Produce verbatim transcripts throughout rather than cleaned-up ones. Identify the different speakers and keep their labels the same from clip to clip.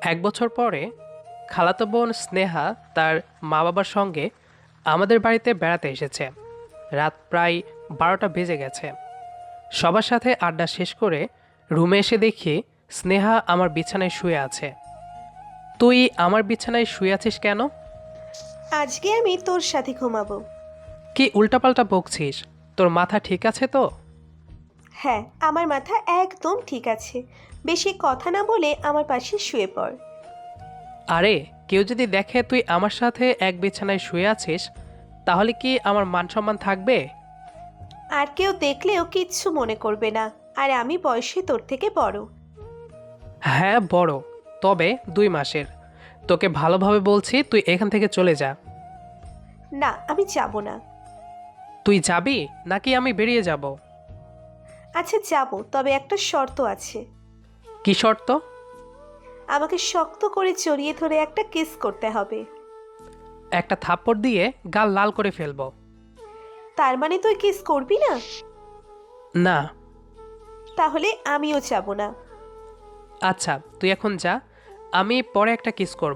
Speaker 1: এক বছর পরে খালাতো বোন স্নেহা তার মা বাবার সঙ্গে আমাদের বাড়িতে বেড়াতে এসেছে। রাত প্রায় বারোটা বেজে গেছে। সবার সাথে আড্ডা শেষ করে রুমে এসে দেখি স্নেহা আমার বিছানায় শুয়ে আছে। তুই আমার বিছানায় শুয়ে আছিস কেন?
Speaker 2: আজকে আমি তোর সাথে ঘুমাবো।
Speaker 1: কি উল্টাপাল্টা বকছিস? তোর মাথা ঠিক আছে তো?
Speaker 2: হ্যাঁ, আমার মাথা একদম ঠিক আছে। বেশি কথা না বলে আমার পাশে শুয়ে পড়।
Speaker 1: আরে, কেউ যদি দেখে তুই আমার সাথে এক বিছানায় শুয়ে আছিস, তাহলে কি আমার মান সম্মান থাকবে?
Speaker 2: আর কেউ দেখলেও কিচ্ছু মনে করবে না। আর আমি বয়সে তোর থেকে বড়।
Speaker 1: হ্যাঁ, বড়। তবে দুই মাসের। তোকে ভালোভাবে বলছি, তুই এখান থেকে চলে যা।
Speaker 2: না, আমি যাব না।
Speaker 1: তুই যাবি নাকি আমি বেরিয়ে যাব?
Speaker 2: আচ্ছা যাব, তবে একটা শর্ত আছে।
Speaker 1: কি শর্ত?
Speaker 2: আমাকে শক্ত করে জড়িয়ে ধরে একটা কিস করতে হবে।
Speaker 1: একটা থাপ্পড় দিয়ে গাল লাল করে ফেলবো।
Speaker 2: তার মানে তুই কিস করবি না?
Speaker 1: না।
Speaker 2: তাহলে আমিও যাব না।
Speaker 1: আচ্ছা, তুই এখন যা, আমি পরে একটা কিস করব।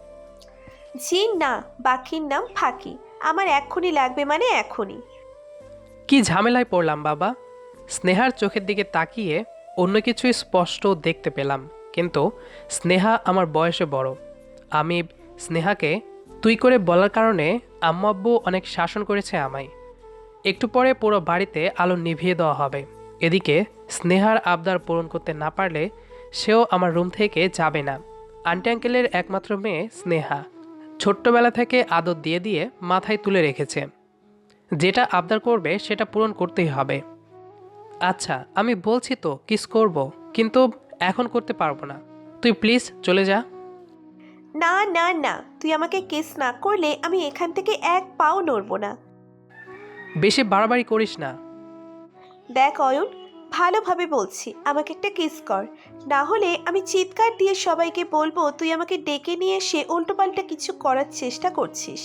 Speaker 2: জি না, বাকির নাম ফাঁকি। আমার এক্ষুনি লাগবে, মানে এখনই।
Speaker 1: কি ঝামেলায় পড়লাম বাবা! স্নেহার চোখের দিকে তাকিয়ে অন্য কিছুই স্পষ্ট দেখতে পেলাম, কিন্তু স্নেহা আমার বয়সে বড়। আমি স্নেহাকে তুই করে বলার কারণে আম্মু আব্বু অনেক শাসন করেছে আমায়। একটু পরে পুরো বাড়িতে আলো নিভিয়ে দেওয়া হবে। এদিকে স্নেহার আবদার পূরণ করতে না পারলে সেও আমার রুম থেকে যাবে না। আন্টি আঙ্কেলের একমাত্র মেয়ে স্নেহা, ছোট্টবেলা থেকে আদর দিয়ে দিয়ে মাথায় তুলে রেখেছে। যেটা আবদার করবে সেটা পূরণ করতেই হবে। আচ্ছা, আমি বলছি তো কিস করব, কিন্তু এখন করতে পারবো না। তুই প্লিজ চলে যা।
Speaker 2: না না না, তুই আমাকে কিস না করলে আমি এখান থেকে এক পাও নড়বো না।
Speaker 1: বেশি বাড়াবাড়ি করিস না।
Speaker 2: দেখ অয়ন, ভালোভাবে বলছি, আমাকে একটা কিস কর। না হলে আমি চিৎকার দিয়ে সবাইকে বলবো তুই আমাকে ডেকে নিয়ে এসে উল্টোপাল্টা কিছু করার চেষ্টা করছিস।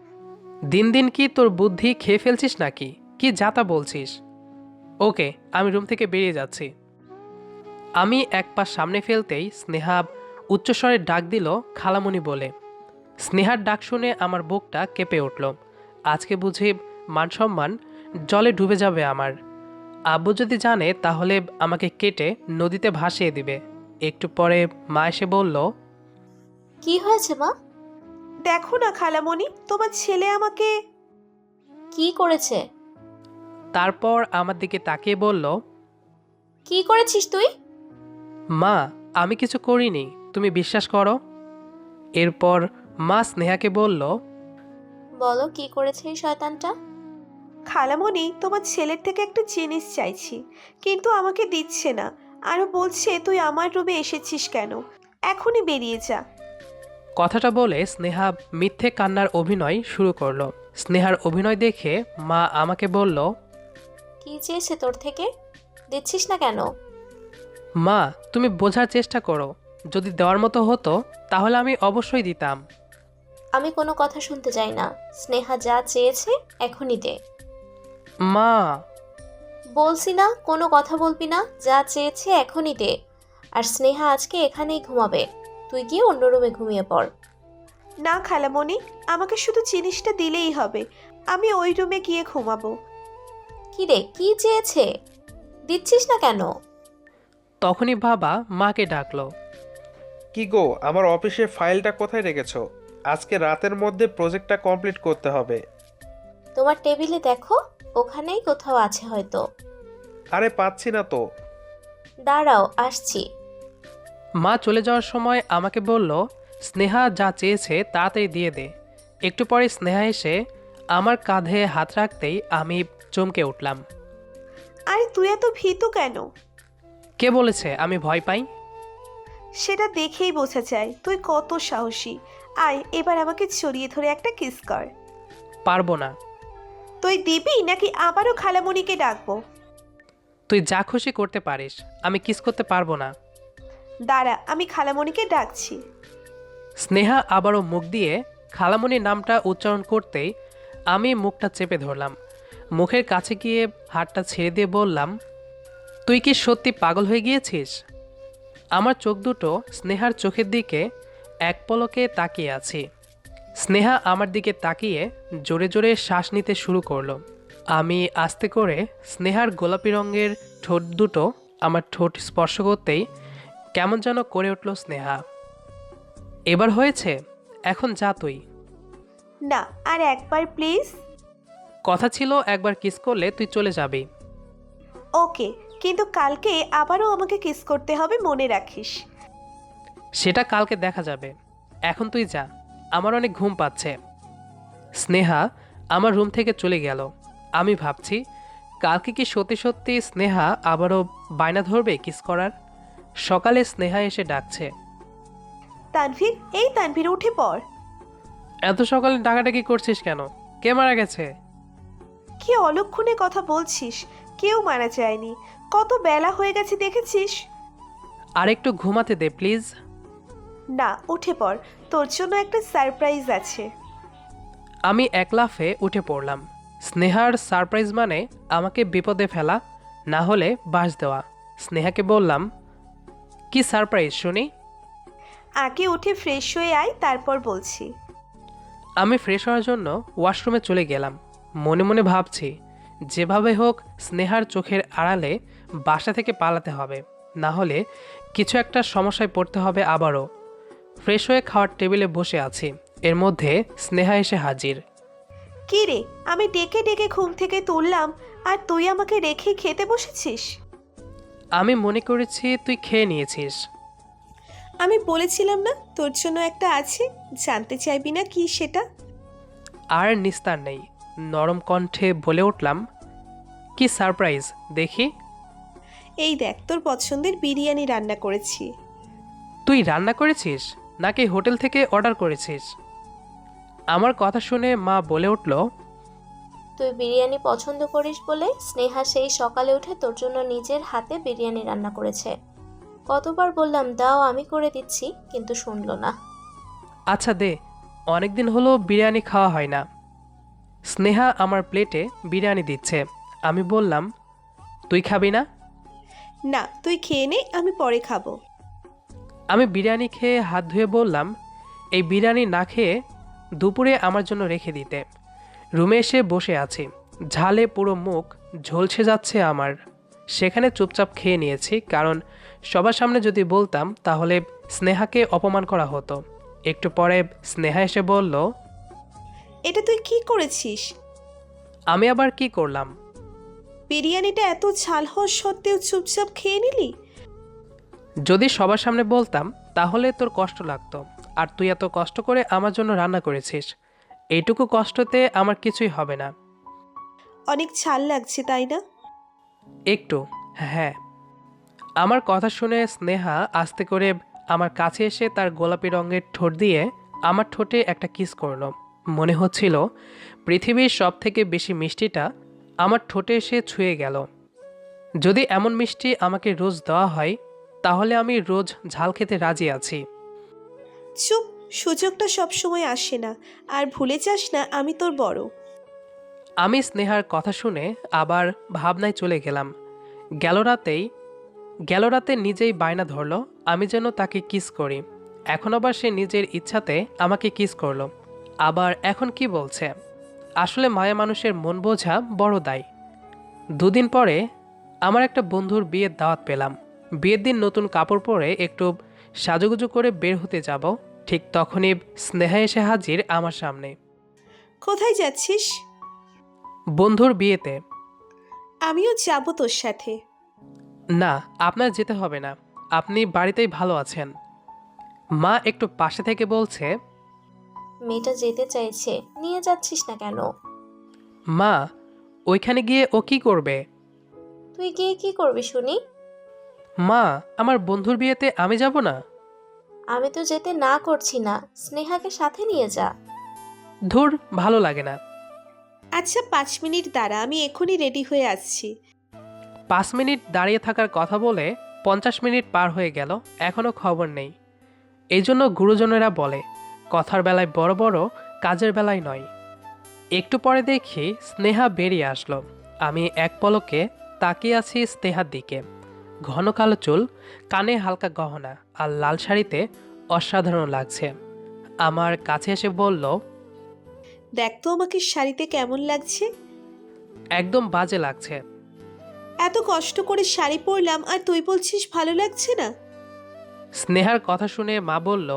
Speaker 1: দিন দিন কি তোর বুদ্ধি খেয়ে ফেলছিস নাকি? কি যাতা বলছিস? ওকে, আমি রুম থেকে বেরিয়ে যাচ্ছি। আমি এক পা সামনে ফেলতেই স্নেহা উচ্চস্বরে ডাক দিল, খালামণি বলে। স্নেহার ডাক শুনে আমার বুকটা কেঁপে উঠল। আজকে বুঝি মান সম্মান জলে ডুবে যাবে আমার। আব্বু যদি জানে তাহলে আমাকে কেটে নদীতে ভাসিয়ে দিবে। একটু পরে মা এসে বলল,
Speaker 3: কি হয়েছে মা?
Speaker 2: দেখো না খালামণি, তোমার ছেলে আমাকে।
Speaker 3: কি করেছে?
Speaker 1: তারপর আমার দিকে তাকিয়ে বলল,
Speaker 3: কি করেছিস তুই?
Speaker 1: মা, আমি কিছু করিনি, তুমি বিশ্বাস করো। এরপর মা স্নেহাকে বলল,
Speaker 3: বলো কি করেছে এই শয়তানটা?
Speaker 2: খালামণি, তোমার ছেলের থেকে একটা জিনিস চাইছি, কিন্তু আমাকে দিচ্ছে না। আরও বলছে তুই আমার রুমে এসেছিস কেন, এখনই বেরিয়ে যা।
Speaker 1: কথাটা বলে স্নেহা মিথ্যে কান্নার অভিনয় শুরু করলো। স্নেহার অভিনয় দেখে মা আমাকে বলল,
Speaker 3: কি চেয়েছে তোর থেকে? দিচ্ছিস না কেন?
Speaker 1: মা, তুমি বোঝার চেষ্টা করো। যদি দেওয়ার মতো হতো তাহলে আমি অবশ্যই দিতাম।
Speaker 3: আমি কোনো কথা শুনতে চাই না। স্নেহা যা চেয়েছে এখনই দে।
Speaker 1: মা।
Speaker 3: বলছি না কোনো কথা বলবি না, যা চেয়েছে এখনই দে। আর স্নেহা আজকে এখানেই ঘুমাবে, তুই গিয়ে অন্য রুমে ঘুমিয়ে পড়।
Speaker 2: না খালামণি, আমাকে শুধু জিনিসটা দিলেই হবে। আমি ওই রুমে গিয়ে ঘুমাবো।
Speaker 3: কি রে, কি চেয়েছে? দিচ্ছিস না কেন?
Speaker 1: তখনই বাবা মাকে ডাকলো।
Speaker 4: কি গো, আমার অফিসে ফাইলটা কোথায় রেখেছো? আজকে রাতের মধ্যে প্রজেক্টটা কমপ্লিট করতে হবে।
Speaker 3: তোমার টেবিলে দেখো, ওখানেই কোথাও আছে হয়তো।
Speaker 4: আরে পাচ্ছি না তো।
Speaker 3: দাঁড়াও, আসছি।
Speaker 1: মা চলে যাওয়ার সময় আমাকে বলল, স্নেহা যা চেয়েছে তাড়াতাড়ি দিয়ে দে। একটু পরে স্নেহা এসে আমার কাঁধে হাত রাখতেই আমি চমকে উঠলাম।
Speaker 2: আরে তুই এত ভীতু কেন?
Speaker 1: কে বলেছে আমি ভয় পাই?
Speaker 2: সেটা দেখেই বোঝা যায় তুই কত সাহসী। আয়, এবার আমাকে জড়িয়ে ধরে একটা কিস কর।
Speaker 1: পারবো না।
Speaker 2: তুই দিবি নাকি আবারও খালামণিকে ডাকবো?
Speaker 1: তুই যা খুশি করতে পারিস, আমি কিস করতে পারবো না।
Speaker 2: দাঁড়া, আমি খালামণিকে ডাকছি।
Speaker 1: স্নেহা আবারও মুখ দিয়ে খালামণির নামটা উচ্চারণ করতেই আমি মুখটা চেপে ধরলাম। মুখের কাছে গিয়ে হাতটা ছেড়ে দিয়ে বললাম, তুই কি সত্যি পাগল হয়ে গিয়েছিস? আমার চোখ দুটো স্নেহার চোখের দিকে এক পলকে তাকিয়ে আছি। স্নেহা আমার দিকে তাকিয়ে জোরে জোরে শ্বাস নিতে শুরু করলো। আমি আস্তে করে স্নেহার গোলাপি রঙের ঠোঁট দুটো আমার ঠোঁট স্পর্শ করতেই কেমন যেন করে উঠল স্নেহা। এবার হয়েছে, এখন যা তুই।
Speaker 2: না, আর একবার প্লিজ।
Speaker 1: কথা ছিল একবার কিস করলে তুই চলে যাবি।
Speaker 2: ওকে, কিন্তু কালকে আবারও আমাকে কিস করতে হবে, মনে রাখিস।
Speaker 1: সেটা কালকে দেখা যাবে, এখন তুই যা, আমার অনেক ঘুম পাচ্ছে। স্নেহা আমার রুম থেকে চলে গেল। আমি ভাবছি কালকে কি সত্যি সত্যি স্নেহা আবারও বায়না ধরবে কিস করার। সকালে স্নেহা এসে ডাকছে।
Speaker 2: তানভীর, এই তানভীর, উঠে পড়।
Speaker 1: এত সকালে ডাকাডাকি করছিস কেন? কে মারা গেছে?
Speaker 2: কি অলক্ষণে কথা বলছিস? কেউ মারা যায়নি। কত বেলা হয়ে গেছে দেখেছিস?
Speaker 1: আর একটু ঘুমাতে দে প্লিজ।
Speaker 2: না, উঠে পড়, তোর জন্য একটা সারপ্রাইজ আছে।
Speaker 1: আমি এক লাফে উঠে পড়লাম। স্নেহার সারপ্রাইজ মানে আমাকে বিপদে ফেলা, না হলে বাস দেওয়া। স্নেহাকে বললাম, কি সারপ্রাইজ শুনি?
Speaker 2: আগে উঠে ফ্রেশ হয়ে আয়, তারপর বলছি।
Speaker 1: আমি ফ্রেশ হওয়ার জন্য ওয়াশরুমে চলে গেলাম। মনে মনে ভাবছি যেভাবে হোক স্নেহার চোখের আড়ালে বাসা থেকে পালাতে হবে, না হলে কিছু একটা সমস্যায় পড়তে হবে আবারও। ফ্রেশ হয়ে খাওয়ার টেবিলে বসে আছি, এর মধ্যে স্নেহা এসে হাজির।
Speaker 2: কি রে, আমি ডেকে ডেকে ঘুম থেকে তুললাম আর তুই আমাকে রেখে খেতে বসেছিস?
Speaker 1: আমি মনে করেছি তুই খেয়ে নিয়েছিস।
Speaker 2: আমি বলেছিলাম না তোর জন্য একটা আছে, জানতে চাইবি না কি সেটা?
Speaker 1: আর নিস্তার নেই, নরম কণ্ঠে বলে উঠলাম, কি সারপ্রাইজ দেখি।
Speaker 2: এই দেখ, তোর পছন্দের বিরিয়ানি রান্না করেছি।
Speaker 1: তুই রান্না করেছিস নাকি হোটেল থেকে অর্ডার করেছিস? আমার কথা শুনে মা বলে উঠল,
Speaker 3: তুই বিরিয়ানি পছন্দ করিস বলে স্নেহা সেই সকালে উঠে তোর জন্য নিজের হাতে বিরিয়ানি রান্না করেছে। কতবার বললাম দাও, আমি করে দিচ্ছি, কিন্তু শুনলো না।
Speaker 1: আচ্ছা দে, অনেকদিন হলো বিরিয়ানি খাওয়া হয় না। স্নেহা আমার প্লেটে বিরিয়ানি দিচ্ছে। আমি বললাম, তুই খাবি না?
Speaker 2: না, তুই খেয়ে নে, আমি পরে খাবো।
Speaker 1: আমি বিরিয়ানি খেয়ে হাত ধুয়ে বললাম, এই বিরিয়ানি না খেয়ে দুপুরে আমার জন্য রেখে দিতে। রুমে এসে বসে আছি, ঝালে পুরো মুখ ঝলসে যাচ্ছে আমার। সেখানে চুপচাপ খেয়ে নিয়েছি, কারণ সবার সামনে যদি বলতাম তাহলে স্নেহাকে অপমান করা হতো। একটু পরে স্নেহা এসে বলল,
Speaker 2: এটা তুই কি করেছিস?
Speaker 1: আমি আবার কি করলাম?
Speaker 2: বিরিয়ানিটা এত ঝাল হওয়া সত্ত্বেও চুপচাপ খেয়ে নিলি?
Speaker 1: যদি সবার সামনে বলতাম তাহলে তোর কষ্ট লাগতো, আর তুই এত কষ্ট করে আমার জন্য রান্না করেছিস, এইটুকু কষ্টতে আমার কিছুই হবে না।
Speaker 2: অনেক ঝাল লাগছে তাই না?
Speaker 1: একটু, হ্যাঁ। আমার কথা শুনে স্নেহা আস্তে করে আমার কাছে এসে তার গোলাপি রঙের ঠোঁট দিয়ে আমার ঠোঁটে একটা কিস করলো। মনে হচ্ছিল পৃথিবীর সব থেকে বেশি মিষ্টিটা আমার ঠোঁটে এসে ছুঁয়ে গেল। যদি এমন মিষ্টি আমাকে রোজ দেওয়া হয় তাহলে আমি রোজ ঝাল খেতে রাজি আছি।
Speaker 2: চুপ, সুযোগটা সব সময় আসে না, আর ভুলে যাস না আমি তোর বড়।
Speaker 1: আমি স্নেহার কথা শুনে আবার ভাবনায় চলে গেলাম। গেল রাতেই গেল রাতে নিজেই বায়না ধরলো আমি যেন তাকে কিস করি। এখন আবার সে নিজের ইচ্ছাতে আমাকে কিস করলো। আবার এখন কি বলছে? আসলে মায়া মানুষের মন বোঝা বড় দায়। দুদিন পরে আমার একটা বন্ধুর বিয়ের দাওয়াত পেলাম। বিয়ের দিন নতুন কাপড় পরে একটু সাজুগুজু করে বের হতে যাব, ঠিক তখনই স্নেহা এসে হাজির আমার সামনে।
Speaker 2: কোথায় যাচ্ছিস?
Speaker 1: বন্ধুর বিয়েতে।
Speaker 2: আমিও যাব তোর সাথে।
Speaker 1: না, আপনার যেতে হবে না, আপনি বাড়িতেই ভালো আছেন। মা একটু পাশে থেকে বলছে,
Speaker 3: মেয়েটা যেতে চাইছে, নিয়ে যাচ্ছিস না কেন?
Speaker 1: মা, ওইখানে গিয়ে ও কি করবে?
Speaker 3: তুই গিয়ে কি করবি শুনি?
Speaker 1: মা, আমার বন্ধুর বিয়েতে আমি যাব না।
Speaker 3: আমি তো যেতে না করছি না, স্নেহাকে সাথে নিয়ে যা।
Speaker 1: ধুর, ভালো লাগে না।
Speaker 2: আচ্ছা, পাঁচ মিনিট দাঁড়া, আমি এখনই রেডি হয়ে আসছি।
Speaker 1: পাঁচ মিনিট দাঁড়িয়ে থাকার কথা বলে পঞ্চাশ মিনিট পার হয়ে গেল, এখনও খবর নেই। এই জন্য গুরুজনেরা বলে, কথার বেলায় বড় বড়, কাজের বেলায় নয়। একটু পরে দেখি স্নেহা বেরিয়ে আসলো। আমি এক পলকে তাকিয়ে আছি স্নেহার দিকে। ঘন কালো চুল, কানে হালকা গহনা আর লাল শাড়িতে অসাধারণ লাগছে। আমার কাছে এসে বলল,
Speaker 2: দেখ তো আমাকে শাড়িতে কেমন লাগছে।
Speaker 1: একদম বাজে লাগছে।
Speaker 2: এত কষ্ট করে শাড়ি পরলাম আর তুই বলছিস ভালো লাগছে না।
Speaker 1: স্নেহার কথা শুনে মা বলল,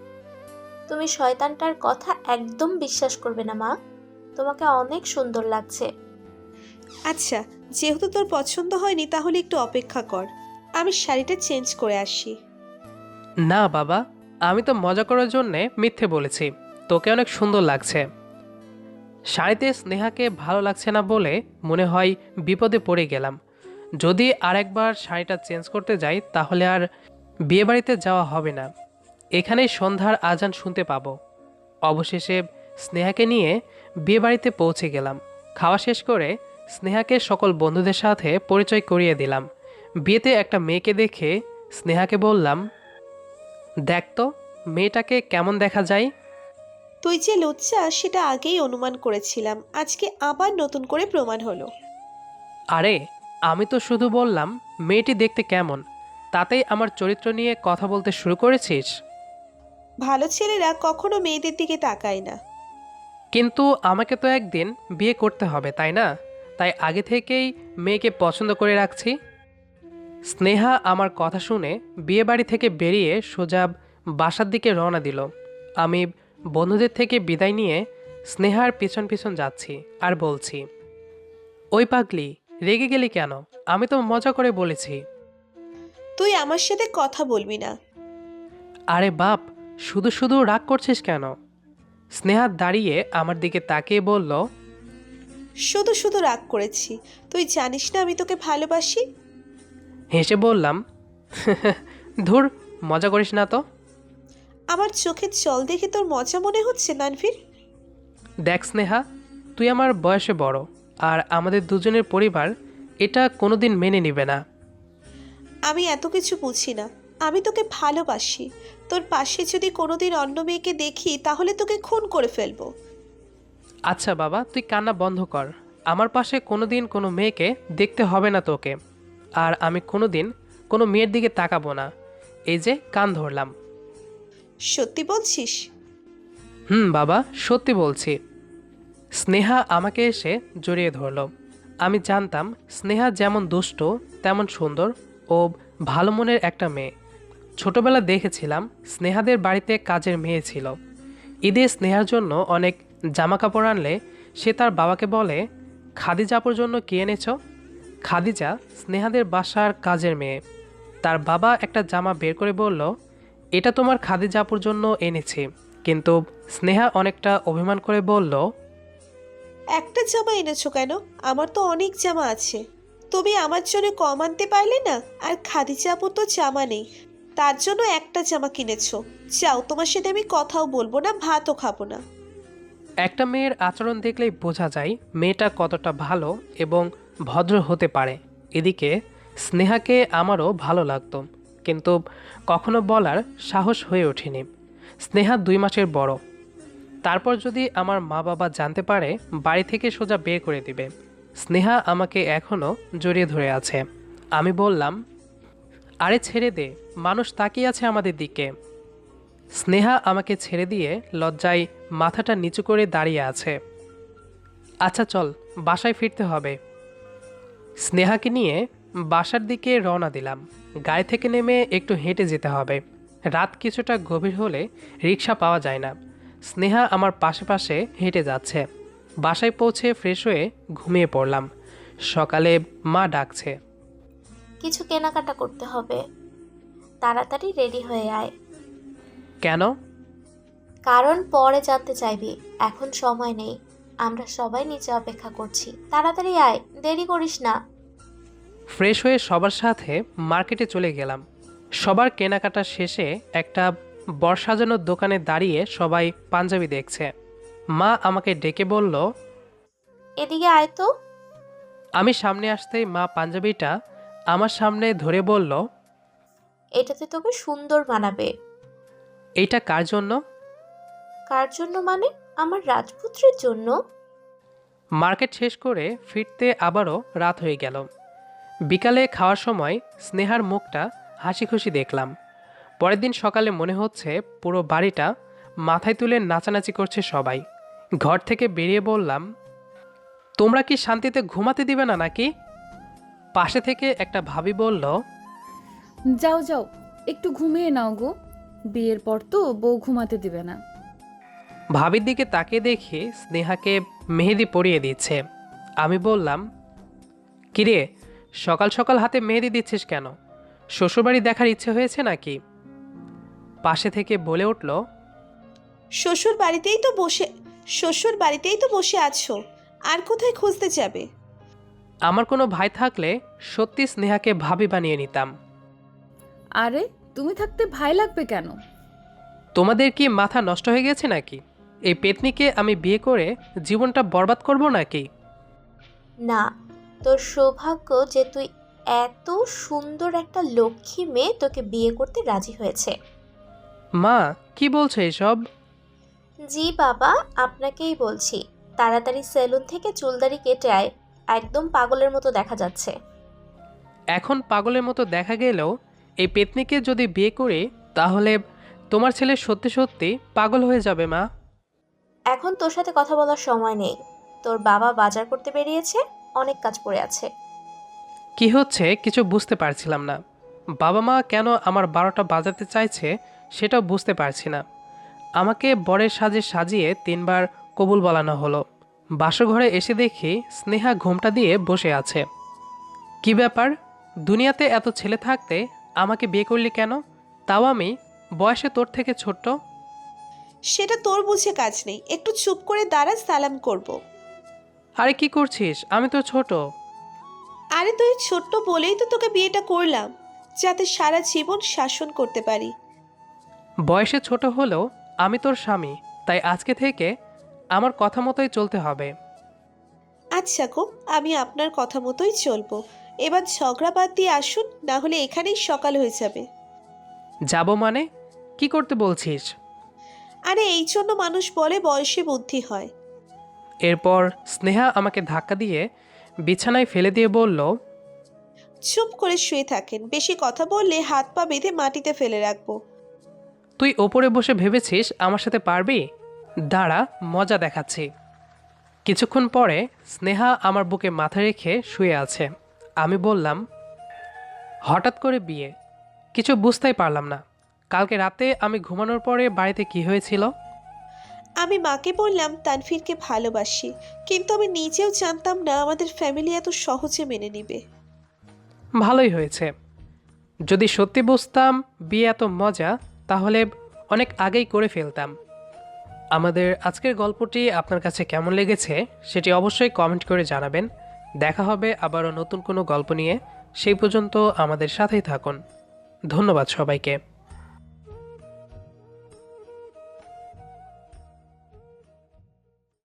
Speaker 3: তুমি শয়তানটার কথা একদম বিশ্বাস করবে না মা, তোমাকে অনেক সুন্দর লাগছে।
Speaker 2: আচ্ছা, যেহেতু তোর পছন্দ হয়নি তাহলে একটু অপেক্ষা কর, আমি শাড়িটা চেঞ্জ করে আসি।
Speaker 1: না বাবা, আমি তো মজা করার জন্যে মিথ্যে বলেছি, তোকে অনেক সুন্দর লাগছে। শাড়িতে স্নেহাকে ভালো লাগছে না বলে মনে হয় বিপদে পড়ে গেলাম। যদি আরেকবার শাড়িটা চেঞ্জ করতে যাই তাহলে আর বিয়েবাড়িতে যাওয়া হবে না, এখানেই সন্ধ্যার আজান শুনতে পাবো। অবশেষে স্নেহাকে নিয়ে বিয়েবাড়িতে পৌঁছে গেলাম। খাওয়া শেষ করে স্নেহাকে সকল বন্ধুদের সাথে পরিচয় করিয়ে দিলাম। বিয়েতে একটা মেয়েকে দেখে স্নেহাকে বললাম, দেখ তো মেয়েটাকে কেমন দেখা যায়।
Speaker 2: তুই যে লুচ্চা সেটা আগেই অনুমান করেছিলাম, আজকে আবার নতুন করে প্রমাণ হলো।
Speaker 1: আরে আমি তো শুধু বললাম মেয়েটি দেখতে কেমন, তাতেই আমার চরিত্র নিয়ে কথা বলতে শুরু করেছিস।
Speaker 2: ভালো ছেলেরা কখনো মেয়েদের দিকে তাকায় না।
Speaker 1: কিন্তু আমাকে তো একদিন বিয়ে করতে হবে তাই না, তাই আগে থেকেই মেয়েকে পছন্দ করে রাখছি। স্নেহা আমার কথা শুনে বিয়ে বাড়ি থেকে বেরিয়ে সোজা বাসার দিকে রওনা দিল। আমি বন্ধুদের থেকে বিদায় নিয়ে স্নেহার পিছন পিছন যাচ্ছি আর বলছি, ওই পাগলি, রেগে গেলি কেন? আমি তো মজা করে বলেছি।
Speaker 2: তুই আমার সাথে কথা বলবি না।
Speaker 1: আরে বাপ, শুধু শুধু রাগ করছিস কেন? স্নেহা দাঁড়িয়ে আমার দিকে তাকিয়ে বলল,
Speaker 2: শুধু শুধু রাগ করেছি, তুই জানিস না আমি তোকে ভালোবাসি।
Speaker 1: হেসে বললাম, ধুর, মজা করিস না তো।
Speaker 2: আমার চোখের জল দেখে তোর মজা মনে হচ্ছে তানভীর?
Speaker 1: দেখ স্নেহা, তুই আমার বয়সে বড়, আর আমাদের দুজনের পরিবার এটা কোনোদিন মেনে নেবে না।
Speaker 2: আমি এত কিছু বুঝি না, আমি তোকে ভালোবাসি। তোর পাশে যদি কোনোদিন অন্য মেয়েকে দেখি তাহলে তোকে খুন করে ফেলবো।
Speaker 1: আচ্ছা বাবা, তুই কান্না বন্ধ কর। আমার পাশে কোনোদিন কোনো মেয়েকে দেখতে হবে না তোকে, আর আমি কোনোদিন কোনো মেয়ের দিকে তাকাবো না। এই যে কান ধরলাম।
Speaker 2: সত্যি বলছিস?
Speaker 1: হুম বাবা, সত্যি বলছি। স্নেহা আমাকে এসে জড়িয়ে ধরল। আমি জানতাম স্নেহা যেমন দুষ্ট তেমন সুন্দর ও ভালো মনের একটা মেয়ে। ছোটবেলা দেখেছিলাম স্নেহাদের বাড়িতে কাজের মেয়ে ছিল। ঈদে স্নেহার জন্য অনেক জামা কাপড় আনলে সে তার বাবাকে বলে, খাদিজাপুর জন্য কি এনেছ? খাদিজা স্নেহাদের বাসার কাজের মেয়ে। তার বাবা একটা জামা বের করে বলল, এটা তোমার খাদিজাপুর জন্য এনেছি। কিন্তু স্নেহা অনেকটা অভিমান করে বলল,
Speaker 2: একটা জামা এনেছো কেন? আমার তো অনেক জামা আছে। তুমি আমার জন্য কম আনতে পারলে না? আর খাদিজা আপুর তো জামা নেই, তার জন্য একটা জামা কিনেছো। যাও, তোমার সাথে আমি কথাও বলবো না, ভাতও খাবো না।
Speaker 1: একটা মেয়ের আচরণ দেখলেই বোঝা যায় মেয়েটা কতটা ভালো এবং ভদ্র হতে পারে। এদিকে স্নেহাকে আমারও ভালো লাগতো, কিন্তু কখনো বলার সাহস হয়ে ওঠেনি। স্নেহা দুই মাসের বড়, তারপর যদি আমার মা বাবা জানতে পারে বাড়ি থেকে সোজা বের করে দিবে। স্নেহা আমাকে এখনও জড়িয়ে ধরে আছে। আমি বললাম, আরে ছেড়ে দে, মানুষ তাকিয়ে আছে আমাদের দিকে। স্নেহা আমাকে ছেড়ে দিয়ে লজ্জায় মাথাটা নিচু করে দাঁড়িয়ে আছে। আচ্ছা চল, বাসায় ফিরতে হবে। স্নেহাকে নিয়ে বাসার দিকে রওনা দিলাম। গাড়ি থেকে নেমে একটু হেঁটে যেতে হবে। রাত কিছুটা গভীর হলে রিক্সা পাওয়া যায় না। স্নেহা আমার পাশে পাশে হেঁটে যাচ্ছে। বাসায় পৌঁছে ফ্রেশ হয়ে ঘুমিয়ে পড়লাম। সকালে মা ডাকছে।
Speaker 3: কিছু কেনাকাটা করতে হবে, তাড়াতাড়ি রেডি হয়ে আয়।
Speaker 1: কেন?
Speaker 3: কারণ পরে জানতে চাইবি, এখন সময় নেই। আমরা সবাই নিচে অপেক্ষা করছি, তাড়াতাড়ি আয়, দেরি করিস না।
Speaker 1: ফ্রেশ হয়ে সবার সাথে মার্কেটে চলে গেলাম। সবার কেনাকাটা শেষে একটা বর সাজানোর দোকানে দাঁড়িয়ে সবাই পাঞ্জাবি দেখছে। মা আমাকে ডেকে বলল,
Speaker 3: এদিকে আয় তো।
Speaker 1: আমি সামনে আসতেই মা পাঞ্জাবিটা আমার সামনে ধরে বলল,
Speaker 3: এটাতে তোকে সুন্দর মানাবে।
Speaker 1: এইটা কার জন্য?
Speaker 3: কার জন্য মানে? আমার রাজপুত্রের জন্য।
Speaker 1: মার্কেট শেষ করে ফিরতে আবারও রাত হয়ে গেল। বিকালে খাওয়ার সময় স্নেহার মুখটা হাসি খুশি দেখলাম। পরের দিন সকালে মনে হচ্ছে পুরো বাড়িটা মাথায় তুলে নাচানাচি করছে সবাই। ঘর থেকে বেরিয়ে বললাম, তোমরা কি শান্তিতে ঘুমাতে দিবে না নাকি? পাশে থেকে একটা ভাবি বলল,
Speaker 5: যাও যাও, একটু ঘুমিয়ে নাও গো, বিয়ের পর তো বউ ঘুমাতে দিবে না।
Speaker 1: ভাবির দিকে তাকিয়ে দেখি স্নেহাকে মেহেদি পরিয়ে দিচ্ছে। আমি বললাম, কিরে, সকাল সকাল হাতে মেহেদি দিচ্ছিস কেন? শ্বশুরবাড়ি দেখার ইচ্ছে হয়েছে নাকি? পাশে থেকে বলে উঠল,
Speaker 2: শ্বশুর বাড়িতেই তো বসে শ্বশুর বাড়িতেই তো বসে আছো, আর কোথায় খুঁজতে যাবে?
Speaker 1: আমার কোনো ভাই থাকলে সত্যি স্নেহাকে ভাবি বানিয়ে নিতাম।
Speaker 5: আরে তুমি থাকতে ভাই লাগবে কেন?
Speaker 1: তোমাদের কি মাথা নষ্ট হয়ে গেছে নাকি? এই পেতনিকে আমি বিয়ে করে জীবনটা বরবাদ করব নাকি?
Speaker 3: না, তোর সৌভাগ্য যে তুই এত সুন্দর একটা লক্ষ্মী মেয়ে তোকে বিয়ে করতে রাজি হয়েছে।
Speaker 1: মা, কি বলছো এসব?
Speaker 3: জি বাবা, আপনাকেই বলছি। তাড়াতাড়ি সেলুন থেকে চুলদারি কেটে আয়, একদম পাগলের মতো দেখা যাচ্ছে।
Speaker 1: এখন পাগলের মতো দেখা গেলেও এই পেতনিকে যদি বিয়ে করি তাহলে তোমার ছেলে সত্যি সত্যি পাগল হয়ে যাবে মা।
Speaker 3: এখন তোর সাথে কথা বলার সময় নেই। তোর বাবা বাজার করতে বেরিয়েছে, অনেক কাজ পড়ে আছে।
Speaker 1: কি হচ্ছে কিছু বুঝতে পারছিলাম না। বাবা মা কেন আমার বারোটা বাজাতে চাইছে সেটাও বুঝতে পারছি না। আমাকে বরের সাজে সাজিয়ে তিনবার কবুল বলানো হলো। বাসঘরে এসে দেখি স্নেহা ঘোমটা দিয়ে বসে আছে। কি ব্যাপার, দুনিয়াতে এত ছেলে থাকতে আমাকে বিয়ে করলি কেন? তাও আমি বয়সে তোর থেকে ছোট্ট।
Speaker 2: সেটা তোর বুঝে কাজ নেই, একটু চুপ করে দাঁড়া, সালাম করব।
Speaker 1: আরে কি করছিস, আমি তো ছোট।
Speaker 2: আরে তুই ছোট্ট বলেই তো তোকে বিয়েটা করলাম, যাতে সারা জীবন শাসন করতে পারি।
Speaker 1: বয়সে ছোট হলেও আমি তোর স্বামী, তাই আজকে থেকে আমার কথা মতোই চলতে হবে।
Speaker 2: আচ্ছা গো, আমি আপনার কথা মতোই চলবো। এবার ঝগড়া বাদ দিয়ে আসুন, না হলে এখানেই সকাল হয়ে যাবে।
Speaker 1: যাব মানে? কি করতে বলছিস?
Speaker 2: আরে এই জন্য মানুষ বলে বয়সে বুদ্ধি হয়।
Speaker 1: এরপর স্নেহা আমাকে ধাক্কা দিয়ে বিছানায় ফেলে দিয়ে বলল,
Speaker 2: চুপ করে শুয়ে থাকেন, বেশি কথা বললে হাত পা বেঁধে মাটিতে ফেলে রাখবো।
Speaker 1: তুই ওপরে বসে ভেবেছিস আমার সাথে পারবি? দাঁড়া, মজা দেখাচ্ছি। কিছুক্ষণ পরে স্নেহা আমার বুকে মাথা রেখে শুয়ে আছে। আমি বললাম, হঠাৎ করে বিয়ে? কিছু বুঝতেই পারলাম না। কালকে রাতে আমি ঘুমানোর পরে বাড়িতে কি হয়েছিল?
Speaker 2: আমি মাকে বললাম তানভীরকে ভালোবাসি, কিন্তু আমি নিজেও জানতাম না আমাদের ফ্যামিলি এত সহজে মেনে নিবে।
Speaker 1: ভালোই হয়েছে। যদি সত্যি বুঝতাম বিয়ে এত মজা, তাহলে অনেক আগেই করে ফেলতাম। আমাদের আজকের গল্পটি আপনার কাছে কেমন লেগেছে সেটি অবশ্যই কমেন্ট করে জানাবেন। দেখা হবে আবারও নতুন কোনো গল্প নিয়ে। সেই পর্যন্ত আমাদের সাথেই থাকুন। ধন্যবাদ সবাইকে।